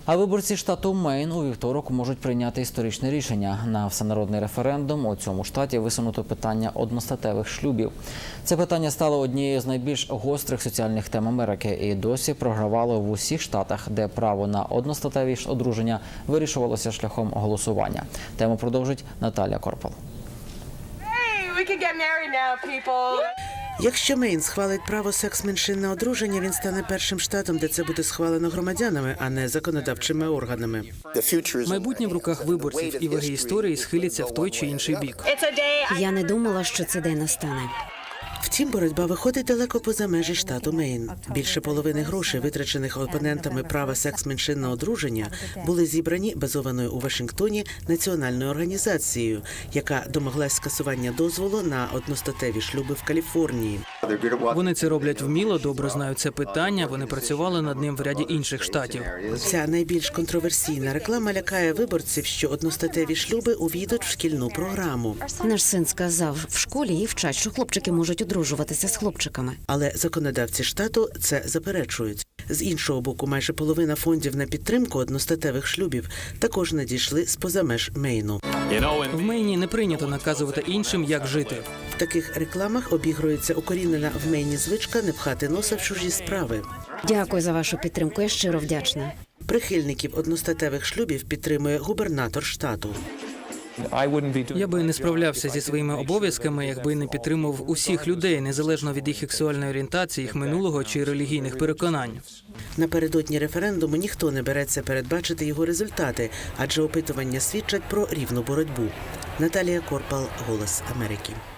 А виборці штату Мейн у вівторок можуть прийняти історичне рішення. На всенародний референдум у цьому штаті висунуто питання одностатевих шлюбів. Це питання стало однією з найбільш гострих соціальних тем Америки і досі програвало в усіх штатах, де право на одностатеві одруження вирішувалося шляхом голосування. Тему продовжить Наталія Корпал. Якщо Мейн схвалить право секс-меншин на одруження, він стане першим штатом, де це буде схвалено громадянами, а не законодавчими органами. Майбутнє в руках виборців, і ваги історії схиляться в той чи інший бік. Я не думала, що цей день настане. Втім, боротьба виходить далеко поза межі штату Мейн. Більше половини грошей, витрачених опонентами права секс-меншин на одруження, були зібрані базованою у Вашингтоні національною організацією, яка домоглась скасування дозволу на одностатеві шлюби в Каліфорнії. Вони це роблять вміло, добре знають це питання, вони працювали над ним в ряді інших штатів. Ця найбільш контроверсійна реклама лякає виборців, що одностатеві шлюби увійдуть в шкільну програму. Наш син сказав, в школі їх вчать, що хлопчики можуть одружуватися з хлопчиками. Але законодавці штату це заперечують. З іншого боку, майже половина фондів на підтримку одностатевих шлюбів також надійшли з-поза меж Мейну. В Мейні не прийнято наказувати іншим, як жити. В таких рекламах обігрується укорінена в Мейні звичка не пхати носа в чужі справи. Дякую за вашу підтримку, я щиро вдячна. Прихильників одностатевих шлюбів підтримує губернатор штату. Я би не справлявся зі своїми обов'язками, якби не підтримував усіх людей, незалежно від їх сексуальної орієнтації, їх минулого чи релігійних переконань. Напередодні референдуму ніхто не береться передбачити його результати, адже опитування свідчать про рівну боротьбу. Наталія Корпал, «Голос Америки».